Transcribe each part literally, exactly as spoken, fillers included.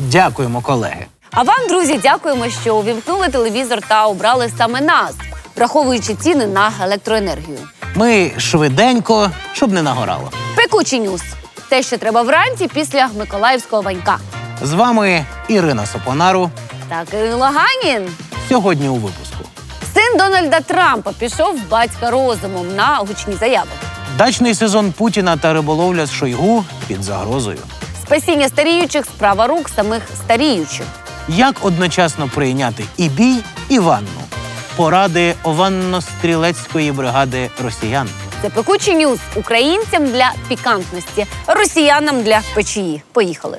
Дякуємо, колеги. А вам, друзі, дякуємо, що увімкнули телевізор та обрали саме нас, враховуючи ціни на електроенергію. Ми швиденько, щоб не нагорало. Пекучі ньюс. Те, що треба вранці після Миколаївського Ванька. З вами Ірина Сопонару. Так, і Лаганін. Сьогодні у випуску. Син Дональда Трампа пішов в батька розумом на гучні заяви. Дачний сезон Путіна та риболовля з Шойгу під загрозою. Спасіння старіючих – справа рук самих старіючих. Як одночасно прийняти і бій, і ванну? Поради ованно-стрілецької бригади росіян. Це пекучі ньюс українцям для пікантності, росіянам для печії. Поїхали.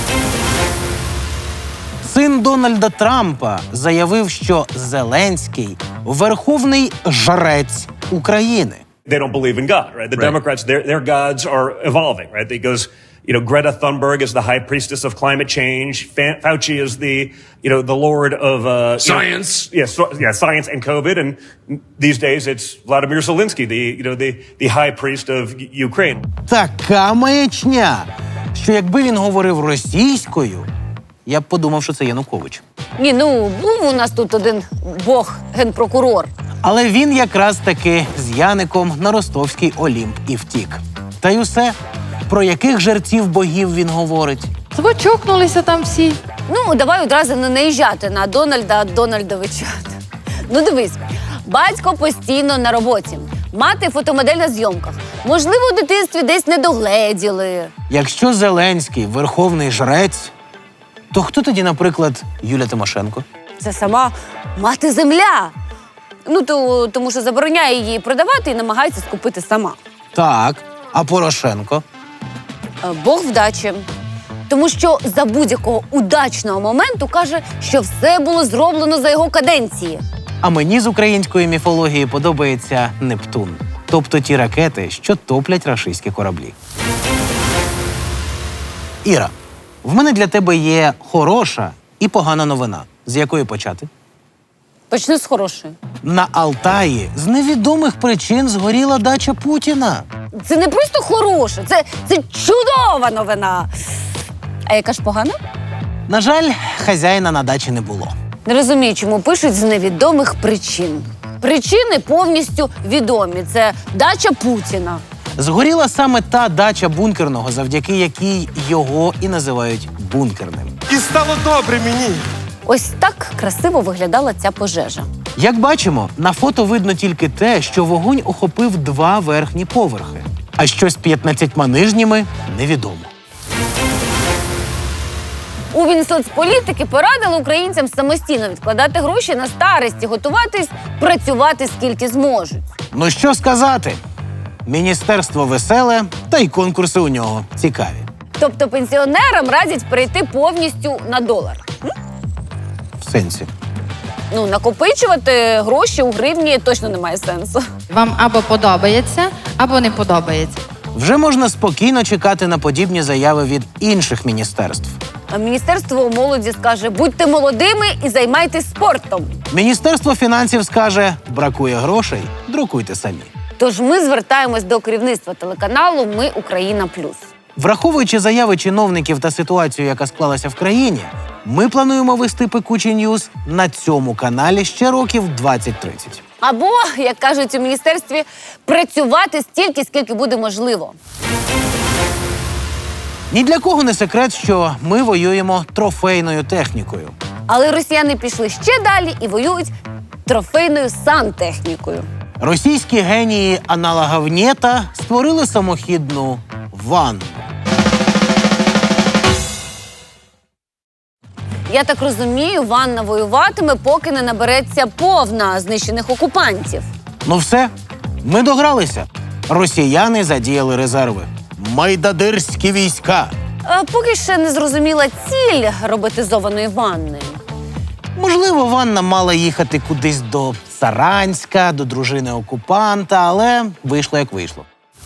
Син Дональда Трампа заявив, що Зеленський – верховний жрець України. They don't believe in God, right? The Right. Democrats, their, their gods are evolving, right? It goes, you know, Greta Thunberg is the high priestess of climate change. Fa- Fauci is the, you know, the lord of... Uh, you Science. know, yeah, so, yeah, science and COVID. And these days it's Vladimir Zelensky, the, you know, the, the high priest of U- Ukraine. Така маячня, що якби він говорив російською, я б подумав, що це Янукович. Ні, ну, був у нас тут один бог-генпрокурор. Але він якраз таки з Яником на ростовський Олімп і втік. Та й усе. Про яких жерців богів він говорить? Ви чокнулися там всі. Ну, давай одразу не наїжджати на Дональда Дональдовича. Ну, дивись, батько постійно на роботі. Мати фотомодель на зйомках. Можливо, у дитинстві десь не догледіли. Якщо Зеленський – верховний жрець, то хто тоді, наприклад, Юля Тимошенко? Це сама мати-земля. Ну, то, тому що забороняє її продавати і намагається скупити сама. Так, а Порошенко? Е, Бог вдачі. Тому що за будь-якого удачного моменту каже, що все було зроблено за його каденції. А мені з української міфології подобається Нептун. Тобто ті ракети, що топлять рашистські кораблі. Іра, в мене для тебе є хороша і погана новина. З якої почати? Почну з хорошої. На Алтаї з невідомих причин згоріла дача Путіна. Це не просто хороше, це, це чудова новина. А яка ж погана? На жаль, хазяїна на дачі не було. Не розумію, чому пишуть з невідомих причин. Причини повністю відомі. Це дача Путіна. Згоріла саме та дача бункерного, завдяки якій його і називають бункерним. І стало добре мені. Ось так красиво виглядала ця пожежа. Як бачимо, на фото видно тільки те, що вогонь охопив два верхні поверхи. А що з п'ятнадцятьма нижніми – невідомо. У Мінсоцполітики порадили українцям самостійно відкладати гроші на старості, готуватись, працювати скільки зможуть. Ну що сказати? Міністерство веселе, та й конкурси у нього цікаві. Тобто пенсіонерам радять перейти повністю на долар. В сенсі. Ну, накопичувати гроші у гривні точно немає сенсу. Вам або подобається, або не подобається. Вже можна спокійно чекати на подібні заяви від інших міністерств. А Міністерство молоді скаже, будьте молодими і займайтесь спортом. Міністерство фінансів скаже, бракує грошей, друкуйте самі. Тож ми звертаємось до керівництва телеканалу «Ми Україна Плюс». Враховуючи заяви чиновників та ситуацію, яка склалася в країні, ми плануємо вести пекучі ньюс на цьому каналі ще років двадцять-тридцять. Або, як кажуть у міністерстві, працювати стільки, скільки буде можливо. Ні для кого не секрет, що ми воюємо трофейною технікою. Але росіяни пішли ще далі і воюють трофейною сантехнікою. Російські генії аналога ВНЕТа створили самохідну ванну. Я так розумію, ванна воюватиме, поки не набереться повна знищених окупантів. Ну все, ми догралися. Росіяни задіяли резерви. Майдадирські війська. А поки ще не зрозуміла ціль роботизованої ванни. Можливо, ванна мала їхати кудись до Саранська, до дружини окупанта, але вийшло як вийшло.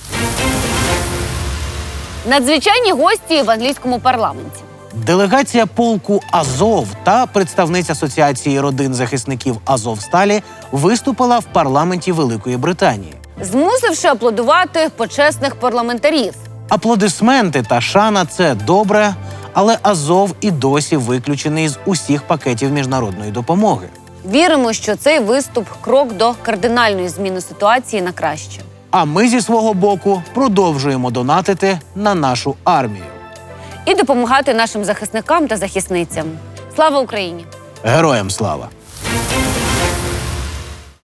Надзвичайні гості в англійському парламенті. Делегація полку Азов та представниця Асоціації родин захисників Азовсталі виступила в парламенті Великої Британії, змусивши аплодувати почесних парламентарів. Аплодисменти та шана – це добре, Але Азов і досі виключений з усіх пакетів міжнародної допомоги. Віримо, що цей виступ – крок до кардинальної зміни ситуації на краще. А ми зі свого боку продовжуємо донатити на нашу армію. І допомагати нашим захисникам та захисницям. Слава Україні! Героям слава!